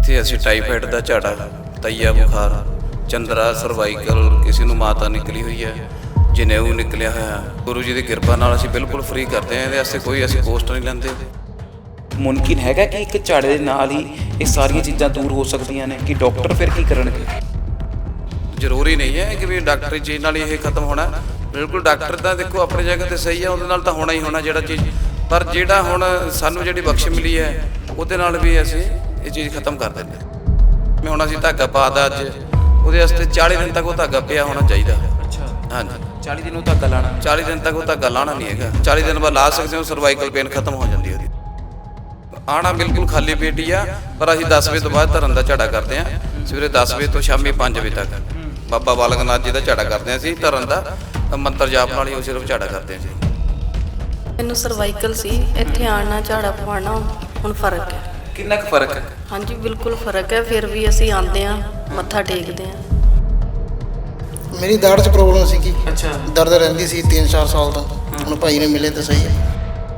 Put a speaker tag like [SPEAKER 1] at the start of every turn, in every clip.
[SPEAKER 1] ਇੱਥੇ ਅਸੀਂ ਟਾਈਫਾਈਡ ਦਾ ਝਾੜਾ, ਤਈਆ ਬੁਖਾਰ, ਚੰਦਰਾ, ਸਰਵਾਈਕਲ, ਕਿਸੇ ਨੂੰ ਮਾਤਾ ਨਿਕਲੀ ਹੋਈ ਹੈ, ਜਨੇਊ ਨਿਕਲਿਆ ਹੋਇਆ, ਗੁਰੂ ਜੀ ਦੀ ਕਿਰਪਾ ਨਾਲ ਅਸੀਂ ਬਿਲਕੁਲ ਫ੍ਰੀ ਕਰਦੇ ਹਾਂ। ਇਹਦੇ ਵਾਸਤੇ ਕੋਈ ਅਸੀਂ ਕੋਸਟ ਨਹੀਂ ਲੈਂਦੇ।
[SPEAKER 2] ਮੁਮਕਿਨ ਹੈਗਾ ਕਿ ਇੱਕ ਝਾੜੇ ਦੇ ਨਾਲ ਹੀ ਇਹ ਸਾਰੀਆਂ ਚੀਜ਼ਾਂ ਦੂਰ ਹੋ ਸਕਦੀਆਂ ਨੇ ਕਿ ਡਾਕਟਰ ਫਿਰ ਕੀ ਕਰਨਗੇ?
[SPEAKER 1] ਜ਼ਰੂਰੀ ਨਹੀਂ ਹੈ ਕਿ ਵੀ ਡਾਕਟਰੀ ਚੀਜ਼ ਨਾਲ ਹੀ ਇਹ ਖਤਮ ਹੋਣਾ। ਬਿਲਕੁਲ ਡਾਕਟਰ ਤਾਂ ਦੇਖੋ ਆਪਣੀ ਜਗ੍ਹਾ ਤੇ ਸਹੀ ਹੈ, ਉਹਦੇ ਨਾਲ ਤਾਂ ਹੋਣਾ ਹੀ ਹੋਣਾ ਜਿਹੜਾ ਚੀਜ਼, ਪਰ ਜਿਹੜਾ ਹੁਣ ਸਾਨੂੰ ਜਿਹੜੀ ਬਖਸ਼ ਮਿਲੀ ਹੈ ਉਹਦੇ ਨਾਲ ਵੀ ਅਸੀਂ ਇਹ ਚੀਜ਼ ਖਤਮ ਕਰ ਦਿੰਦੇ ਹਾਂ। ਮੈਂ ਹੁਣ ਅਸੀਂ ਧਾਗਾ ਪਾਤਾ ਅੱਜ, ਉਹਦੇ ਵਾਸਤੇ 40 ਦਿਨ ਤੱਕ ਉਹ ਧਾਗਾ ਪਿਆ ਹੋਣਾ ਚਾਹੀਦਾ।
[SPEAKER 2] ਅੱਛਾ,
[SPEAKER 1] ਹਾਂਜੀ
[SPEAKER 2] 40 ਦਿਨ ਉਹ ਧਾਗਾ ਲਾਣਾ?
[SPEAKER 1] 40 ਦਿਨ ਤੱਕ ਉਹ ਧਾਗਾ ਲਾਉਣਾ ਨਹੀਂ ਹੈਗਾ। 40 ਦਿਨ ਬਾਅਦ ਲਾ ਸਕਦੇ ਹੋ, ਸਰਵਾਈਕਲ ਪੇਨ ਖਤਮ ਹੋ ਜਾਂਦੀ ਉਹਦੀ। ਆਉਣਾ ਬਿਲਕੁਲ ਖਾਲੀ ਪੇਟ ਹੀ ਆ, ਪਰ ਅਸੀਂ 10 ਵਜੇ ਤੋਂ ਬਾਅਦ ਧਰਨ ਦਾ ਝਾੜਾ ਕਰਦੇ ਹਾਂ। ਸਵੇਰੇ 10 ਵਜੇ ਤੋਂ ਸ਼ਾਮੀ 5 ਵਜੇ ਤੱਕ ਬਾਬਾ ਬਾਲਕ ਨਾਥ ਜੀ ਦਾ ਝਾੜਾ ਕਰਦੇ ਹਾਂ ਅਸੀਂ ਧਰਨ ਦਾ, ਮੰਤਰ ਜਾਪ ਨਾਲ ਹੀ ਉਹ ਸਿਰਫ ਝਾੜਾ ਕਰਦੇ ਹਾਂ ਜੀ।
[SPEAKER 3] ਮੈਨੂੰ ਸਰਵਾਈਕਲ ਸੀ, ਇੱਥੇ ਆਉਣਾ ਝਾੜਾ ਪਵਾਉਣਾ ਹੁਣ ਫਰਕ ਹੈ।
[SPEAKER 2] ਕਿੰਨਾ ਕੁ ਫਰਕ ਹੈ?
[SPEAKER 3] ਹਾਂਜੀ ਬਿਲਕੁਲ ਫਰਕ ਹੈ। ਫਿਰ ਵੀ ਅਸੀਂ ਆਉਂਦੇ ਹਾਂ, ਮੱਥਾ ਟੇਕਦੇ ਹਾਂ।
[SPEAKER 4] ਮੇਰੀ ਦਾੜ੍ਹ 'ਚ ਪ੍ਰੋਬਲਮ ਸੀਗੀ।
[SPEAKER 2] ਅੱਛਾ,
[SPEAKER 4] ਦਰਦ ਰਹਿੰਦੀ ਸੀ 3-4 ਸਾਲ ਤੋਂ। ਹੁਣ ਭਾਈ ਨੇ ਮਿਲੇ ਤਾਂ ਸਹੀ ਹੈ।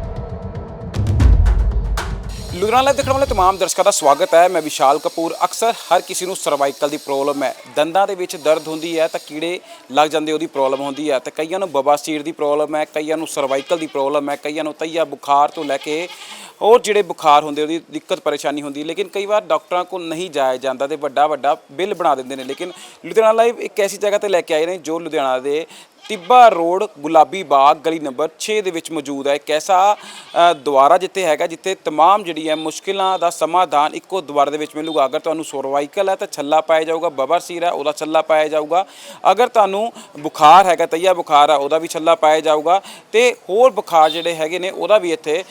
[SPEAKER 2] ਲੁਧਿਆਣਾ ਲਾਈਵ ਦੇਖਣ ਵਾਲੇ ਤਮਾਮ ਦਰਸ਼ਕਾਂ ਦਾ ਸਵਾਗਤ ਹੈ। ਮੈਂ ਵਿਸ਼ਾਲ ਕਪੂਰ। ਅਕਸਰ ਹਰ ਕਿਸੇ ਨੂੰ ਸਰਵਾਈਕਲ ਦੀ ਪ੍ਰੋਬਲਮ ਹੈ, ਦੰਦਾਂ ਦੇ ਵਿੱਚ ਦਰਦ ਹੁੰਦੀ ਹੈ ਤਾਂ ਕੀੜੇ ਲੱਗ ਜਾਂਦੇ ਉਹਦੀ ਪ੍ਰੋਬਲਮ ਹੁੰਦੀ ਹੈ, ਤੇ ਕਈਆਂ ਨੂੰ ਬਵਾਸੀਰ ਦੀ ਪ੍ਰੋਬਲਮ ਹੈ, ਕਈਆਂ ਨੂੰ ਸਰਵਾਈਕਲ ਦੀ ਪ੍ਰੋਬਲਮ ਹੈ, ਕਈਆਂ ਨੂੰ ਤਈਆ ਬੁਖਾਰ ਤੋਂ ਲੈ ਕੇ ਹੋਰ ਜਿਹੜੇ ਬੁਖਾਰ ਹੁੰਦੇ ਉਹਦੀ ਦਿੱਕਤ ਪਰੇਸ਼ਾਨੀ ਹੁੰਦੀ। ਲੇਕਿਨ ਕਈ ਵਾਰ ਡਾਕਟਰਾਂ ਕੋਲ ਨਹੀਂ ਜਾਇਆ ਜਾਂਦਾ ਤੇ ਵੱਡਾ ਬਿੱਲ ਬਣਾ ਦਿੰਦੇ ਨੇ। ਲੇਕਿਨ ਲੁਧਿਆਣਾ ਲਾਈਵ ਇੱਕ ਐਸੀ ਜਗ੍ਹਾ ਤੇ ਲੈ ਕੇ ਆਏ ਨੇ ਜੋ ਲੁਧਿਆਣਾ ਦੇ ਟਿੱਬਾ ਰੋਡ, ਗੁਲਾਬੀ ਬਾਗ, ਗਲੀ ਨੰਬਰ 6 ਦੇ ਵਿੱਚ ਮੌਜੂਦ ਹੈ। ਇੱਕ ਐਸਾ ਦੁਆਰਾ ਜਿੱਥੇ ਤਮਾਮ ਜਿਹੜੀ ਹੈ ਮੁਸ਼ਕਿਲਾਂ ਦਾ ਸਮਾਧਾਨ ਇੱਕੋ ਦੁਆਰੇ ਦੇ ਵਿੱਚ ਮਿਲੂਗਾ। ਅਗਰ ਤੁਹਾਨੂੰ ਸਰਵਾਈਕਲ ਹੈ ਤਾਂ ਛੱਲਾ ਪਾਇਆ ਜਾਊਗਾ, ਬਵਾਸੀਰ ਹੈ ਉਹਦਾ ਛੱਲਾ ਪਾਇਆ ਜਾਊਗਾ, ਅਗਰ ਤੁਹਾਨੂੰ ਬੁਖਾਰ ਹੈਗਾ, ਤਈਆ ਬੁਖਾਰ ਹੈ ਉਹਦਾ ਵੀ ਛੱਲਾ ਪਾਇਆ ਜਾਊਗਾ, ਤੇ ਹੋਰ ਬੁਖਾਰ ਜਿਹੜੇ ਹੈਗੇ ਨੇ ਉਹਦਾ ਵੀ ਇੱਥੇ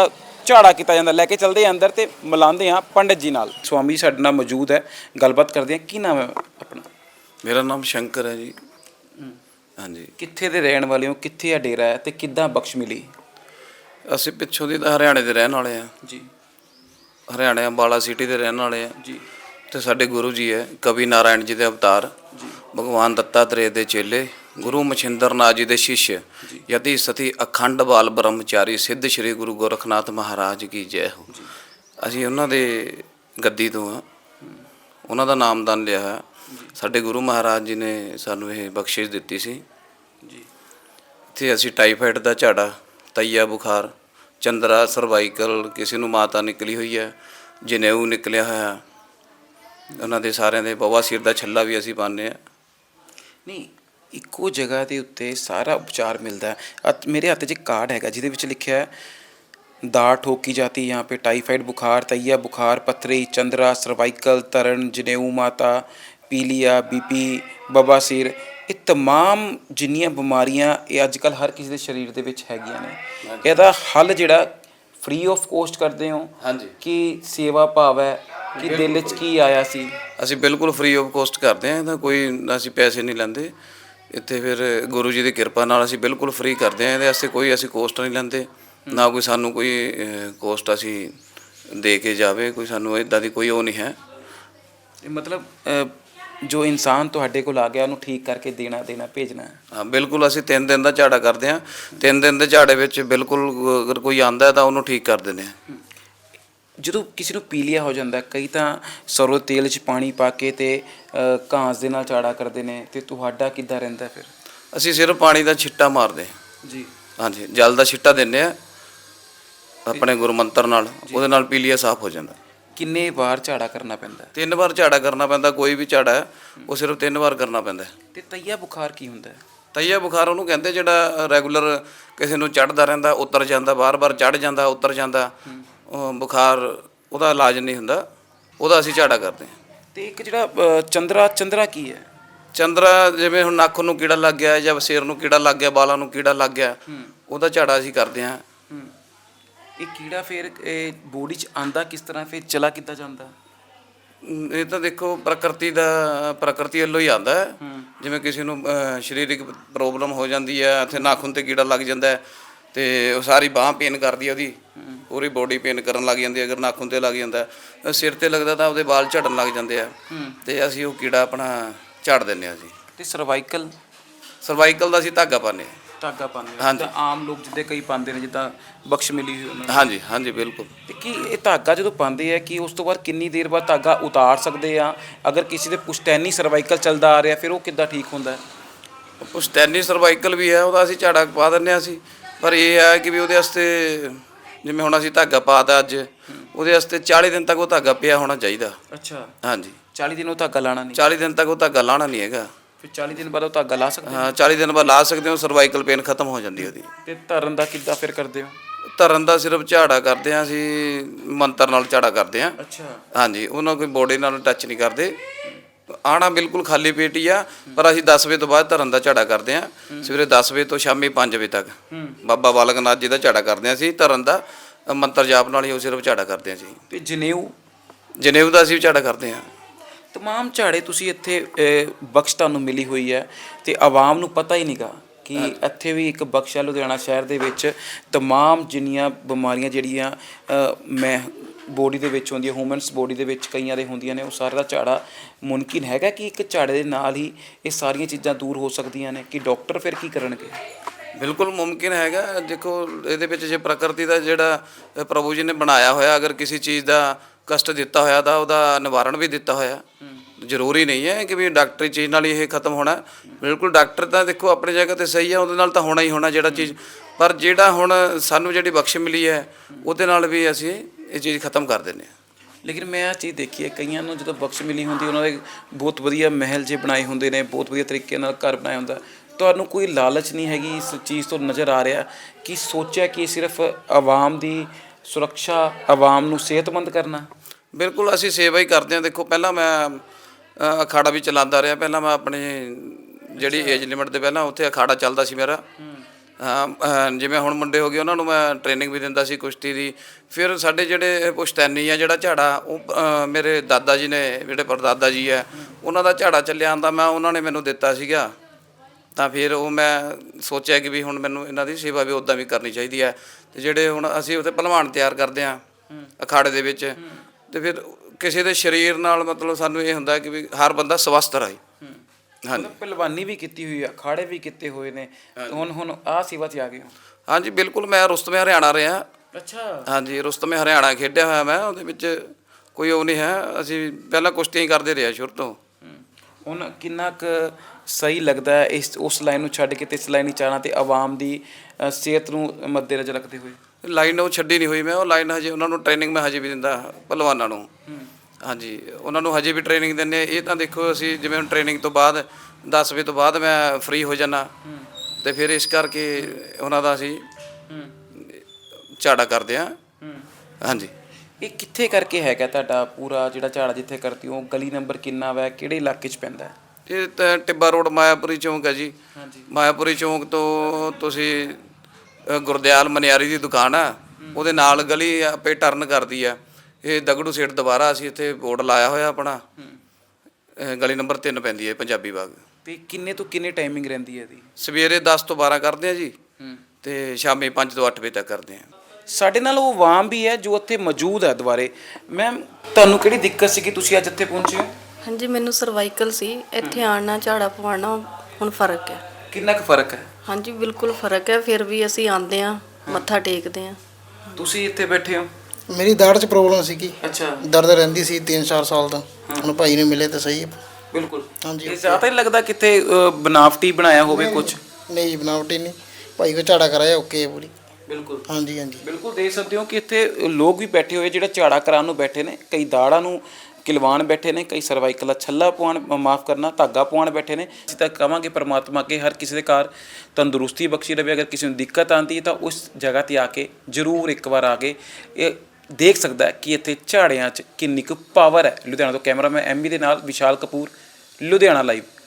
[SPEAKER 2] ਝਾੜਾ ਕੀਤਾ ਜਾਂਦਾ। ਲੈ ਕੇ ਚੱਲਦੇ ਹਾਂ ਅੰਦਰ ਤੇ ਮਿਲਾਉਂਦੇ ਹਾਂ ਪੰਡਿਤ ਜੀ ਨਾਲ। ਸਵਾਮੀ ਜੀ ਸਾਡੇ ਨਾਲ ਮੌਜੂਦ ਹੈ, ਗੱਲਬਾਤ ਕਰਦੇ ਹਾਂ। ਕੀ ਨਾਮ ਹੈ ਆਪਣਾ?
[SPEAKER 1] ਮੇਰਾ ਨਾਮ ਸ਼ੰਕਰ ਹੈ ਜੀ। ਹਾਂਜੀ।
[SPEAKER 2] ਕਿੱਥੇ ਦੇ ਰਹਿਣ ਵਾਲੇ ਹੋ? ਕਿੱਥੇ ਆ ਡੇਰਾ ਹੈ ਤੇ ਕਿੱਦਾਂ ਬਖਸ਼ ਮਿਲੀ?
[SPEAKER 1] ਅਸੀਂ ਪਿੱਛੋਂ ਦੀ ਹਰਿਆਣੇ ਦੇ ਰਹਿਣ ਵਾਲੇ ਆ
[SPEAKER 2] ਜੀ।
[SPEAKER 1] ਹਰਿਆਣੇ ਅੰਬਾਲਾ ਸਿਟੀ ਦੇ ਰਹਿਣ ਵਾਲੇ ਆ
[SPEAKER 2] ਜੀ।
[SPEAKER 1] ਤੇ ਸਾਡੇ ਗੁਰੂ ਜੀ ਹੈ ਕਵੀ ਨਾਰਾਇਣ ਜੀ ਦੇ ਅਵਤਾਰ, ਭਗਵਾਨ ਦੱਤਾਤਰੇय ਦੇ ਚੇਲੇ, ਗੁਰੂ ਮਛਿੰਦਰ ਨਾਥ ਜੀ ਦੇ ਸ਼ਿਸ਼, ਯਤੀ ਸਤੀ ਅਖੰਡ ਬਾਲ ਬ੍ਰਹਮਚਾਰੀ ਸਿੱਧ ਸ਼੍ਰੀ ਗੁਰੂ ਗੋਰਖਨਾਥ ਮਹਾਰਾਜ ਕੀ ਜੈ ਹੋ। ਅਸੀਂ ਉਹਨਾਂ ਦੇ ਗੱਦੀ ਤੋਂ ਆ, ਉਹਨਾਂ ਦਾ ਨਾਮਦਾਨ ਲਿਆ ਹੈ। ਸਾਡੇ ਗੁਰੂ ਮਹਾਰਾਜ ਜੀ ਨੇ ਸਾਨੂੰ ਇਹ ਬਖਸ਼ਿਸ਼ ਦਿੱਤੀ ਸੀ ਜੀ। ਇੱਥੇ ਅਸੀਂ ਟਾਈਫਾਈਡ ਦਾ ਝਾੜਾ, ਤਈਆ ਬੁਖਾਰ, ਚੰਦਰਾ, ਸਰਵਾਈਕਲ, ਕਿਸੇ ਨੂੰ ਮਾਤਾ ਨਿਕਲੀ ਹੋਈ ਹੈ, ਜਨੇਊ ਨਿਕਲਿਆ ਹੋਇਆ, ਉਹਨਾਂ ਦੇ ਸਾਰਿਆਂ ਦੇ ਬਵਾਸੀਰ ਦਾ ਛੱਲਾ ਵੀ ਅਸੀਂ ਪਾਉਂਦੇ ਹਾਂ।
[SPEAKER 2] ਨਹੀਂ, ਇੱਕੋ ਜਗ੍ਹਾ ਦੇ ਉੱਤੇ ਸਾਰਾ ਉਪਚਾਰ ਮਿਲਦਾ ਹੈ। ਮੇਰੇ ਹੱਥ 'ਚ ਇੱਕ ਕਾਰਡ ਹੈਗਾ ਜਿਹਦੇ ਵਿੱਚ ਲਿਖਿਆ ਹੈ दाढ़ ठोकी जाती है यहाँ पे, टाइफाइड बुखार, तैया बुखार, पथरी, चंद्रा, सर्वाइकल, तरण, जनेऊ माता, पीलिया, बीपी, बवासीर, ਇਹ तमाम ਜਿੰਨੀਆਂ ਬਿਮਾਰੀਆਂ ਇਹ ਅੱਜ ਕੱਲ੍ਹ ਹਰ ਕਿਸੇ ਦੇ ਸਰੀਰ ਦੇ ਵਿੱਚ ਹੈਗੀਆਂ ਨੇ, ਇਹਦਾ ਹੱਲ ਜਿਹੜਾ ਫ੍ਰੀ ਆਫ ਕੋਸਟ ਕਰਦੇ ਹੋ?
[SPEAKER 1] ਹਾਂਜੀ।
[SPEAKER 2] ਕੀ ਸੇਵਾ ਭਾਵ ਹੈ ਕਿ ਦਿਲ 'ਚ ਕੀ ਆਇਆ ਸੀ?
[SPEAKER 1] ਅਸੀਂ ਬਿਲਕੁਲ ਫ੍ਰੀ ਆਫ ਕੋਸਟ ਕਰਦੇ ਹਾਂ, ਇਹਦਾ ਕੋਈ ਅਸੀਂ ਪੈਸੇ ਨਹੀਂ ਲੈਂਦੇ ਇੱਥੇ। ਫਿਰ ਗੁਰੂ ਜੀ ਦੀ ਕਿਰਪਾ ਨਾਲ ਅਸੀਂ ਬਿਲਕੁਲ ਫ੍ਰੀ ਕਰਦੇ ਹਾਂ। ਇਹਦੇ ਵਾਸਤੇ ਕੋਈ ਅਸੀਂ ਕੋਸਟ ਨਹੀਂ ਲੈਂਦੇ, ਨਾ ਕੋਈ ਸਾਨੂੰ ਕੋਈ ਕੋਸਟ ਅਸੀਂ ਦੇ ਕੇ ਜਾਵੇ, ਕੋਈ ਸਾਨੂੰ ਇੱਦਾਂ ਦੀ ਕੋਈ ਉਹ ਨਹੀਂ ਹੈ।
[SPEAKER 2] ਮਤਲਬ ਜੋ ਇਨਸਾਨ ਤੁਹਾਡੇ ਕੋਲ ਆ ਗਿਆ ਉਹਨੂੰ ਠੀਕ ਕਰਕੇ ਦੇਣਾ ਭੇਜਣਾ?
[SPEAKER 1] ਹਾਂ ਬਿਲਕੁਲ। ਅਸੀਂ 3 ਦਿਨ ਦਾ ਝਾੜਾ ਕਰਦੇ ਹਾਂ। 3 ਦਿਨ ਦੇ ਝਾੜੇ ਵਿੱਚ ਬਿਲਕੁਲ ਅਗਰ ਕੋਈ ਆਉਂਦਾ ਤਾਂ ਉਹਨੂੰ ਠੀਕ ਕਰ ਦਿੰਦੇ ਹਾਂ।
[SPEAKER 2] ਜਦੋਂ ਕਿਸੇ ਨੂੰ ਪੀਲੀਆ ਹੋ ਜਾਂਦਾ, ਕਈ ਤਾਂ ਸਰੋਂ ਤੇਲ 'ਚ ਪਾਣੀ ਪਾ ਕੇ ਤੇ ਘਾਸ ਦੇ ਨਾਲ ਝਾੜਾ ਕਰਦੇ ਨੇ, ਤੇ ਤੁਹਾਡਾ ਕਿੱਦਾਂ ਰਹਿੰਦਾ ਫਿਰ?
[SPEAKER 1] ਅਸੀਂ ਸਿਰਫ ਪਾਣੀ ਦਾ ਛਿੱਟਾ ਮਾਰਦੇ
[SPEAKER 2] ਜੀ।
[SPEAKER 1] ਹਾਂਜੀ, ਜਲ ਦਾ ਛਿੱਟਾ ਦਿੰਦੇ ਹਾਂ ਆਪਣੇ ਗੁਰਮੰਤਰ ਨਾਲ, ਉਹਦੇ ਨਾਲ ਪੀਲੀਆ ਸਾਫ਼ ਹੋ ਜਾਂਦਾ।
[SPEAKER 2] ਕਿੰਨੇ ਵਾਰ ਝਾੜਾ ਕਰਨਾ ਪੈਂਦਾ?
[SPEAKER 1] 3 ਵਾਰ ਝਾੜਾ ਕਰਨਾ ਪੈਂਦਾ। ਕੋਈ ਵੀ ਝਾੜਾ ਹੈ ਉਹ ਸਿਰਫ 3 ਵਾਰ ਕਰਨਾ ਪੈਂਦਾ।
[SPEAKER 2] ਤੇ ਤਈਆ ਬੁਖਾਰ ਕੀ ਹੁੰਦਾ?
[SPEAKER 1] ਤਈਆ ਬੁਖਾਰ ਉਹਨੂੰ ਕਹਿੰਦੇ ਜਿਹੜਾ ਰੈਗੂਲਰ ਕਿਸੇ ਨੂੰ ਚੜ੍ਹਦਾ ਰਹਿੰਦਾ, ਉਤਰ ਜਾਂਦਾ, ਵਾਰ-ਵਾਰ ਚੜ੍ਹ ਜਾਂਦਾ, ਉਤਰ ਜਾਂਦਾ ਬੁਖਾਰ, ਉਹਦਾ ਇਲਾਜ ਨਹੀਂ ਹੁੰਦਾ, ਉਹਦਾ ਅਸੀਂ ਝਾੜਾ ਕਰਦੇ ਹਾਂ।
[SPEAKER 2] ਤੇ ਇੱਕ ਜਿਹੜਾ ਚੰਦਰਾ ਕੀ ਹੈ?
[SPEAKER 1] ਚੰਦਰਾ ਜਿਵੇਂ ਹੁਣ ਨੱਕ ਨੂੰ ਕੀੜਾ ਲੱਗ ਗਿਆ ਜਾਂ ਸਿਰ ਨੂੰ ਕੀੜਾ ਲੱਗ ਗਿਆ, ਬਾਲਾਂ ਨੂੰ ਕੀੜਾ ਲੱਗ ਗਿਆ, ਉਹਦਾ ਝਾੜਾ ਅਸੀਂ ਕਰਦੇ ਹਾਂ।
[SPEAKER 2] ਇਹ ਕੀੜਾ ਫਿਰ ਬੋਡੀ 'ਚ ਆਂਦਾ ਕਿਸ ਤਰ੍ਹਾਂ, ਫਿਰ ਚਲਾ ਕਿੱਦਾਂ ਜਾਂਦਾ?
[SPEAKER 1] ਇਹ ਤਾਂ ਦੇਖੋ ਪ੍ਰਕਿਰਤੀ ਵੱਲੋਂ ਹੀ ਆਉਂਦਾ ਹੈ। ਜਿਵੇਂ ਕਿਸੇ ਨੂੰ ਸਰੀਰਕ ਪ੍ਰੋਬਲਮ ਹੋ ਜਾਂਦੀ ਹੈ, ਇੱਥੇ ਨਾਖੂਨ 'ਤੇ ਕੀੜਾ ਲੱਗ ਜਾਂਦਾ ਅਤੇ ਉਹ ਸਾਰੀ ਬਾਂਹ ਪੇਨ ਕਰਦੀ ਹੈ, ਉਹਦੀ ਪੂਰੀ ਬੋਡੀ ਪੇਨ ਕਰਨ ਲੱਗ ਜਾਂਦੀ ਹੈ। ਅਗਰ ਨਾਖੂਨ 'ਤੇ ਲੱਗ ਜਾਂਦਾ, ਸਿਰ 'ਤੇ ਲੱਗਦਾ ਤਾਂ ਉਹਦੇ ਵਾਲ ਝੜਨ ਲੱਗ ਜਾਂਦੇ ਆ, ਅਤੇ ਅਸੀਂ ਉਹ ਕੀੜਾ ਆਪਣਾ ਝਾੜ ਦਿੰਦੇ ਹਾਂ ਜੀ।
[SPEAKER 2] ਅਤੇ ਸਰਵਾਈਕਲ
[SPEAKER 1] ਦਾ ਅਸੀਂ ਧਾਗਾ ਪਾਉਂਦੇ ਹਾਂ।
[SPEAKER 2] ਧਾਗਾ ਪਾਉਂਦੇ ਹੋ
[SPEAKER 1] ਹਾਂਜੀ।
[SPEAKER 2] ਤਾਂ ਆਮ ਲੋਕ ਜਿੱਦਾਂ ਕਈ ਪਾਉਂਦੇ ਨੇ ਜਿੱਦਾਂ ਬਖਸ਼ ਮਿਲੀ ਹੋਈ ਉਹਨਾਂ ਨੂੰ।
[SPEAKER 1] ਹਾਂਜੀ ਹਾਂਜੀ ਬਿਲਕੁਲ।
[SPEAKER 2] ਤੇ ਕੀ ਇਹ ਧਾਗਾ ਜਦੋਂ ਪਾਉਂਦੇ ਆ ਕਿ ਉਸ ਤੋਂ ਬਾਅਦ ਕਿੰਨੀ ਦੇਰ ਬਾਅਦ ਧਾਗਾ ਉਤਾਰ ਸਕਦੇ ਆ? ਅਗਰ ਕਿਸੇ ਦੇ ਪੁਸ਼ਤੈਨੀ ਸਰਵਾਈਕਲ ਚੱਲਦਾ ਆ ਰਿਹਾ ਫਿਰ ਉਹ ਕਿੱਦਾਂ ਠੀਕ ਹੁੰਦਾ ਹੈ?
[SPEAKER 1] ਪੁਸ਼ਤੈਨੀ ਸਰਵਾਈਕਲ ਵੀ ਹੈ, ਉਹਦਾ ਅਸੀਂ ਝਾੜਾ ਪਾ ਦਿੰਦੇ ਹਾਂ ਅਸੀਂ। ਪਰ ਇਹ ਹੈ ਕਿ ਵੀ ਉਹਦੇ ਵਾਸਤੇ ਜਿਵੇਂ ਹੁਣ ਅਸੀਂ ਧਾਗਾ ਪਾਤਾ ਅੱਜ, ਉਹਦੇ ਵਾਸਤੇ 40 ਦਿਨ ਤੱਕ ਉਹ ਧਾਗਾ ਪਿਆ ਹੋਣਾ ਚਾਹੀਦਾ।
[SPEAKER 2] ਅੱਛਾ,
[SPEAKER 1] ਹਾਂਜੀ
[SPEAKER 2] 40 ਦਿਨ ਉਹ ਧਾਗਾ ਲਾਣਾ ਨਹੀਂ?
[SPEAKER 1] 40 ਦਿਨ ਤੱਕ ਉਹ ਧਾਗਾ ਲਾਉਣਾ ਨਹੀਂ ਹੈਗਾ।
[SPEAKER 2] ਫਿਰ 40 ਦਿਨ ਬਾਅਦ ਉਹ ਧਾਗਾ ਲਾ ਸਕਦੇ
[SPEAKER 1] ਹਾਂ 40 ਦਿਨ ਬਾਅਦ ਲਾ ਸਕਦੇ ਹੋ, ਸਰਵਾਈਕਲ ਪੇਨ ਖਤਮ ਹੋ ਜਾਂਦੀ ਉਹਦੀ।
[SPEAKER 2] ਤੇ ਧਰਨ ਦਾ ਕਿੱਦਾਂ ਫਿਰ ਕਰਦੇ ਹੋ?
[SPEAKER 1] ਧਰਨ ਦਾ ਸਿਰਫ ਝਾੜਾ ਕਰਦੇ ਹਾਂ ਅਸੀਂ, ਮੰਤਰ ਨਾਲ ਝਾੜਾ ਕਰਦੇ ਹਾਂ।
[SPEAKER 2] ਅੱਛਾ,
[SPEAKER 1] ਹਾਂਜੀ, ਉਹਨਾਂ ਕੋਈ ਬੋਡੀ ਨਾਲ ਟੱਚ ਨਹੀਂ ਕਰਦੇ। ਆਣਾ ਬਿਲਕੁਲ ਖਾਲੀ ਪੇਟ ਹੀ ਆ, ਪਰ ਅਸੀਂ 10 ਵਜੇ ਤੋਂ ਬਾਅਦ ਧਰਨ ਦਾ ਝਾੜਾ ਕਰਦੇ ਹਾਂ। ਸਵੇਰੇ 10 ਵਜੇ ਤੋਂ ਸ਼ਾਮੀ 5 ਵਜੇ ਤੱਕ ਬਾਬਾ ਬਾਲਕ ਨਾਥ ਜੀ ਦਾ ਝਾੜਾ ਕਰਦੇ ਹਾਂ ਅਸੀਂ। ਧਰਨ ਦਾ ਮੰਤਰ ਜਾਪ ਨਾਲ ਹੀ ਉਹ ਸਿਰਫ ਝਾੜਾ ਕਰਦੇ ਹਾਂ ਅਸੀਂ।
[SPEAKER 2] ਤੇ ਜਨੇਊ?
[SPEAKER 1] ਜਨੇਊ ਦਾ ਅਸੀਂ ਵੀ ਝਾੜਾ ਕਰਦੇ ਹਾਂ।
[SPEAKER 2] ਤਮਾਮ ਝਾੜੇ ਤੁਸੀਂ ਇੱਥੇ ਬਖਸ਼ ਤੁਹਾਨੂੰ ਮਿਲੀ ਹੋਈ ਹੈ ਤੇ ਆਵਾਮ ਨੂੰ ਪਤਾ ਹੀ ਨਹੀਂਗਾ ਕਿ ਇੱਥੇ ਵੀ ਇੱਕ ਬਖਸ਼ ਹੈ ਲੁਧਿਆਣਾ ਸ਼ਹਿਰ ਦੇ ਵਿੱਚ। ਤਮਾਮ ਜਿੰਨੀਆਂ ਬਿਮਾਰੀਆਂ ਜਿਹੜੀਆਂ ਮੈਂ ਬੋਡੀ ਦੇ ਵਿੱਚ ਹੁੰਦੀਆਂ, ਹਿਊਮਨਸ ਬੋਡੀ ਦੇ ਵਿੱਚ ਕਈਆਂ ਦੇ ਹੁੰਦੀਆਂ ਨੇ, ਉਹ ਸਾਰਾ ਦਾ ਝਾੜਾ ਮੁਮਕਿਨ ਹੈਗਾ ਕਿ ਇੱਕ ਝਾੜੇ ਦੇ ਨਾਲ ਹੀ ਇਹ ਸਾਰੀਆਂ ਚੀਜ਼ਾਂ ਦੂਰ ਹੋ ਸਕਦੀਆਂ ਨੇ? ਕਿ ਡਾਕਟਰ ਫਿਰ ਕੀ ਕਰਨਗੇ?
[SPEAKER 1] ਬਿਲਕੁਲ ਮੁਮਕਿਨ ਹੈਗਾ। ਦੇਖੋ ਇਹਦੇ ਵਿੱਚ ਜੇ ਪ੍ਰਕਿਰਤੀ ਦਾ ਜਿਹੜਾ ਪ੍ਰਭੂ ਜੀ ਨੇ ਬਣਾਇਆ ਹੋਇਆ, ਅਗਰ ਕਿਸੇ ਚੀਜ਼ ਦਾ ਕਸ਼ਟ ਦਿੱਤਾ ਹੋਇਆ ਤਾਂ ਉਹਦਾ ਨਿਵਾਰਣ ਵੀ ਦਿੱਤਾ ਹੋਇਆ। ਜ਼ਰੂਰੀ ਨਹੀਂ ਹੈ ਕਿ ਵੀ ਡਾਕਟਰੀ ਚੀਜ਼ ਨਾਲ ਹੀ ਇਹ ਖਤਮ ਹੋਣਾ। ਬਿਲਕੁਲ ਡਾਕਟਰ ਤਾਂ ਦੇਖੋ ਆਪਣੀ ਜਗ੍ਹਾ 'ਤੇ ਸਹੀ ਹੈ, ਉਹਦੇ ਨਾਲ ਤਾਂ ਹੋਣਾ ਹੀ ਹੋਣਾ ਜਿਹੜਾ ਚੀਜ਼। ਪਰ ਜਿਹੜਾ ਹੁਣ ਸਾਨੂੰ ਜਿਹੜੀ ਬਖਸ਼ ਮਿਲੀ ਹੈ ਉਹਦੇ ਨਾਲ ਵੀ ਅਸੀਂ ਇਹ ਚੀਜ਼ ਖਤਮ ਕਰ ਦਿੰਦੇ ਹਾਂ।
[SPEAKER 2] ਲੇਕਿਨ ਮੈਂ ਇਹ ਚੀਜ਼ ਦੇਖੀ ਹੈ, ਕਈਆਂ ਨੂੰ ਜਦੋਂ ਬਖਸ਼ ਮਿਲੀ ਹੁੰਦੀ ਉਹਨਾਂ ਦੇ ਬਹੁਤ ਵਧੀਆ ਮਹਿਲ ਜੇ ਬਣਾਏ ਹੁੰਦੇ ਨੇ, ਬਹੁਤ ਵਧੀਆ ਤਰੀਕੇ ਨਾਲ ਘਰ ਬਣਾਇਆ ਹੁੰਦਾ। ਤੁਹਾਨੂੰ ਕੋਈ ਲਾਲਚ ਨਹੀਂ ਹੈਗੀ ਇਸ ਚੀਜ਼ ਤੋਂ ਨਜ਼ਰ ਆ ਰਿਹਾ ਕਿ ਸੋਚਿਆ ਕਿ ਸਿਰਫ ਆਵਾਮ ਦੀ ਸੁਰੱਖਿਆ, ਆਵਾਮ ਨੂੰ ਸਿਹਤਮੰਦ ਕਰਨਾ?
[SPEAKER 1] ਬਿਲਕੁਲ ਅਸੀਂ ਸੇਵਾ ਹੀ ਕਰਦੇ ਹਾਂ। ਦੇਖੋ ਪਹਿਲਾਂ ਮੈਂ ਅਖਾੜਾ ਵੀ ਚਲਾਉਂਦਾ ਰਿਹਾ। ਪਹਿਲਾਂ ਮੈਂ ਆਪਣੀ ਜਿਹੜੀ ਏਜ ਲਿਮਿਟ ਦੇ ਪਹਿਲਾਂ ਉੱਥੇ ਅਖਾੜਾ ਚੱਲਦਾ ਸੀ ਮੇਰਾ। ਜਿਵੇਂ ਹੁਣ ਮੁੰਡੇ ਹੋ ਗਏ ਉਹਨਾਂ ਨੂੰ ਮੈਂ ਟ੍ਰੇਨਿੰਗ ਵੀ ਦਿੰਦਾ ਸੀ ਕੁਸ਼ਤੀ ਦੀ। ਫਿਰ ਸਾਡੇ ਜਿਹੜੇ ਪੁਸ਼ਤੈਨੀ ਆ ਜਿਹੜਾ ਝਾੜਾ, ਉਹ ਮੇਰੇ ਦਾਦਾ ਜੀ ਨੇ, ਜਿਹੜੇ ਪੜਦਾਦਾ ਜੀ ਹੈ, ਉਹਨਾਂ ਦਾ ਝਾੜਾ ਚੱਲਿਆ ਆਉਂਦਾ, ਮੈਂ ਉਹਨਾਂ ਨੇ ਮੈਨੂੰ ਦਿੱਤਾ ਸੀਗਾ। ਤਾਂ ਫਿਰ ਉਹ ਮੈਂ ਸੋਚਿਆ ਕਿ ਵੀ ਹੁਣ ਮੈਨੂੰ ਇਹਨਾਂ ਦੀ ਸੇਵਾ ਵੀ ਉੱਦਾਂ ਵੀ ਕਰਨੀ ਚਾਹੀਦੀ ਹੈ। ਅਤੇ ਜਿਹੜੇ ਹੁਣ ਅਸੀਂ ਉੱਥੇ ਭਲਵਾਨ ਤਿਆਰ ਕਰਦੇ ਹਾਂ ਅਖਾੜੇ ਦੇ ਵਿੱਚ, ਅਤੇ ਫਿਰ ਕਿਸੇ ਦੇ ਸਰੀਰ ਨਾਲ ਮਤਲਬ ਸਾਨੂੰ ਇਹ ਹੁੰਦਾ ਕਿ ਵੀ ਹਰ ਬੰਦਾ ਸਵਸਥ ਰਹੇ। ਹਾਂਜੀ,
[SPEAKER 2] ਪਹਿਲਵਾਨੀ ਵੀ ਕੀਤੀ ਹੋਈ ਆ, ਅਖਾੜੇ ਵੀ ਕੀਤੇ ਹੋਏ ਨੇ, ਹੁਣ ਆਹ ਸੇਵਾ 'ਚ ਆ ਗਏ ਹੋ?
[SPEAKER 1] ਹਾਂਜੀ ਬਿਲਕੁਲ। ਮੈਂ ਰੁਸਤਮੇ ਹਰਿਆਣਾ ਰਿਹਾ।
[SPEAKER 2] ਅੱਛਾ,
[SPEAKER 1] ਹਾਂਜੀ ਰੁਸਤਮੇ ਹਰਿਆਣਾ ਖੇਡਿਆ ਹੋਇਆ ਮੈਂ। ਉਹਦੇ ਵਿੱਚ ਕੋਈ ਉਹ ਨਹੀਂ ਹੈ, ਅਸੀਂ ਪਹਿਲਾਂ ਕੁਸ਼ਤੀਆਂ ਹੀ ਕਰਦੇ ਰਹੇ ਸ਼ੁਰੂ ਤੋਂ।
[SPEAKER 2] ਹੁਣ ਕਿੰਨਾ ਕੁ ਸਹੀ ਲੱਗਦਾ ਇਸ ਉਸ ਲਾਈਨ ਨੂੰ ਛੱਡ ਕੇ ਤੇ ਇਸ ਲਾਈਨ 'ਚ ਆਉਣਾ ਤੇ ਆਵਾਮ ਦੀ ਸਿਹਤ ਨੂੰ ਮੱਦੇਨਜ਼ਰ ਰੱਖਦੇ ਹੋਏ?
[SPEAKER 1] ਲਾਈਨ ਉਹ ਛੱਡੀ ਨਹੀਂ ਹੋਈ ਮੈਂ। ਉਹ ਲਾਈਨ ਹਜੇ ਉਹਨਾਂ ਨੂੰ ਟ੍ਰੇਨਿੰਗ ਮੈਂ ਹਜੇ ਵੀ ਦਿੰਦਾ ਭਲਵਾਨਾਂ ਨੂੰ। ਹਾਂਜੀ, ਉਹਨਾਂ ਨੂੰ ਹਜੇ ਵੀ ਟ੍ਰੇਨਿੰਗ ਦਿੰਦੇ। ਇਹ ਤਾਂ ਦੇਖੋ ਅਸੀਂ ਜਿਵੇਂ ਹੁਣ ਟ੍ਰੇਨਿੰਗ ਤੋਂ ਬਾਅਦ 10 ਵਜੇ ਤੋਂ ਬਾਅਦ ਮੈਂ ਫ੍ਰੀ ਹੋ ਜਾਂਦਾ, ਅਤੇ ਫਿਰ ਇਸ ਕਰਕੇ ਉਹਨਾਂ ਦਾ ਅਸੀਂ ਝਾੜਾ ਕਰਦੇ ਹਾਂ। ਹਾਂਜੀ,
[SPEAKER 2] ਇਹ ਕਿੱਥੇ ਕਰਕੇ ਹੈਗਾ ਤੁਹਾਡਾ ਪੂਰਾ ਜਿਹੜਾ ਝਾੜਾ ਜਿੱਥੇ ਕਰਦੇ ਹੋ? ਗਲੀ ਨੰਬਰ ਕਿੰਨਾ ਵਾ, ਕਿਹੜੇ ਇਲਾਕੇ 'ਚ ਪੈਂਦਾ?
[SPEAKER 1] ਇਹ ਤਾਂ ਟਿੱਬਾ ਰੋਡ ਮਾਇਆਪੁਰੀ ਚੌਂਕ ਹੈ ਜੀ।
[SPEAKER 2] ਹਾਂਜੀ,
[SPEAKER 1] ਮਾਇਆਪੁਰੀ ਚੌਂਕ ਤੋਂ ਤੁਸੀਂ ਗੁਰਦਿਆਲ ਮਨਿਆਰੀ ਦੀ ਦੁਕਾਨ ਆ, ਉਹਦੇ ਨਾਲ ਗਲੀ ਆਪੇ ਟਰਨ ਕਰਦੀ ਆ। ਇਹ ਦਗੜੂ ਸੇਠ ਦੁਬਾਰਾ ਅਸੀਂ ਇੱਥੇ ਬੋਰਡ ਲਾਇਆ ਹੋਇਆ ਆਪਣਾ। ਗਲੀ ਨੰਬਰ 3 ਪੈਂਦੀ ਹੈ ਪੰਜਾਬੀ ਬਾਗ।
[SPEAKER 2] ਤੇ ਕਿੰਨੇ ਤੋਂ ਕਿੰਨੇ ਟਾਈਮਿੰਗ ਰਹਿੰਦੀ ਹੈ ਇਹਦੀ?
[SPEAKER 1] ਸਵੇਰੇ 10 ਤੋਂ 12 ਕਰਦੇ ਆ ਜੀ, ਅਤੇ ਸ਼ਾਮੀ 5 ਤੋਂ 8 ਵਜੇ ਤੱਕ ਕਰਦੇ ਆ।
[SPEAKER 2] ਸਾਡੇ ਨਾਲ ਉਹ ਆਵਾਮ ਵੀ ਹੈ ਜੋ ਉੱਥੇ ਮੌਜੂਦ ਹੈ ਦੁਬਾਰੇ। ਮੈਮ ਤੁਹਾਨੂੰ ਕਿਹੜੀ ਦਿੱਕਤ ਸੀ ਕਿ ਤੁਸੀਂ ਅੱਜ ਇੱਥੇ ਪਹੁੰਚੇ ਹੋ?
[SPEAKER 3] ਹਾਂਜੀ, ਮੈਨੂੰ ਸਰਵਾਈਕਲ ਸੀ। ਇੱਥੇ ਆਉਣ ਨਾਲ ਝਾੜਾ ਪਵਾਉਣਾ ਹੁਣ ਫਰਕ ਹੈ।
[SPEAKER 2] ਕਿੰਨਾ ਕੁ ਫਰਕ ਹੈ?
[SPEAKER 3] ਹਾਂਜੀ ਬਿਲਕੁਲ ਫਰਕ ਹੈ। ਫਿਰ ਵੀ ਅਸੀਂ ਆਉਂਦੇ ਹਾਂ, ਮੱਥਾ ਟੇਕਦੇ ਹਾਂ।
[SPEAKER 2] ਤੁਸੀਂ ਇੱਥੇ ਬੈਠੇ ਹੋ?
[SPEAKER 4] ਮੇਰੀ ਦਾੜ੍ਹ 'ਚ ਪ੍ਰੋਬਲਮ ਸੀਗੀ,
[SPEAKER 2] ਅੱਛਾ,
[SPEAKER 4] ਦਰਦ ਰਹਿੰਦੀ ਸੀ 3-4 ਸਾਲ ਤੋਂ। ਹੁਣ ਭਾਈ ਨੂੰ ਮਿਲੇ ਤਾਂ ਸਹੀ ਹੈ।
[SPEAKER 2] ਬਿਲਕੁਲ।
[SPEAKER 4] ਹਾਂਜੀ।
[SPEAKER 2] ਇਹ ਜ਼ਿਆਦਾ ਨਹੀਂ ਲੱਗਦਾ ਕਿਤੇ ਬਨਾਵਟੀ ਬਣਾਇਆ ਹੋਵੇ ਕੁਝ?
[SPEAKER 4] ਨਹੀਂ ਜੀ, ਬਣਾਵਟੀ ਨਹੀਂ। ਭਾਈ ਕੋ ਝਾੜਾ ਕਰਾਇਆ ਓਕੇ ਹੈ ਪੂਰੀ।
[SPEAKER 2] ਬਿਲਕੁਲ,
[SPEAKER 4] ਹਾਂਜੀ ਹਾਂਜੀ
[SPEAKER 2] ਬਿਲਕੁਲ। ਦੇਖ ਸਕਦੇ ਹੋ ਕਿ ਇੱਥੇ ਲੋਕ ਵੀ ਬੈਠੇ ਹੋਏ ਜਿਹੜਾ ਝਾੜਾ ਕਰਾਉਣ ਨੂੰ ਬੈਠੇ ਨੇ। ਕਈ ਦਾੜਾਂ ਨੂੰ ਕਿਲਵਾਨ ਬੈਠੇ ਨੇ, ਕਈ ਸਰਵਾਈਕਲ ਦਾ ਛੱਲਾ ਪਵਾਉਣ, ਮਾਫ ਕਰਨਾ, ਧਾਗਾ ਪਵਾਉਣ ਬੈਠੇ ਨੇ। ਅਸੀਂ ਤਾਂ ਕਹਾਂਗੇ ਪਰਮਾਤਮਾ ਅੱਗੇ ਹਰ ਕਿਸੇ ਦੇ ਘਰ ਤੰਦਰੁਸਤੀ ਬਖਸ਼ੀ ਰਵੇ। ਅਗਰ ਕਿਸੇ ਨੂੰ ਦਿੱਕਤ ਆਉਂਦੀ ਹੈ ਤਾਂ ਉਸ ਜਗ੍ਹਾ 'ਤੇ ਆ ਕੇ ਜ਼ਰੂਰ ਇੱਕ ਵਾਰ ਆ ਕੇ ਇਹ ਦੇਖ ਸਕਦਾ ਕਿ ਇੱਥੇ ਝਾੜਿਆਂ 'ਚ ਕਿੰਨੀ ਕੁ ਪਾਵਰ ਹੈ। ਲੁਧਿਆਣਾ ਤੋਂ ਕੈਮਰਾਮੈਨ ਐਮੀ ਦੇ ਨਾਲ ਵਿਸ਼ਾਲ ਕਪੂਰ, ਲੁਧਿਆਣਾ ਲਾਈਵ।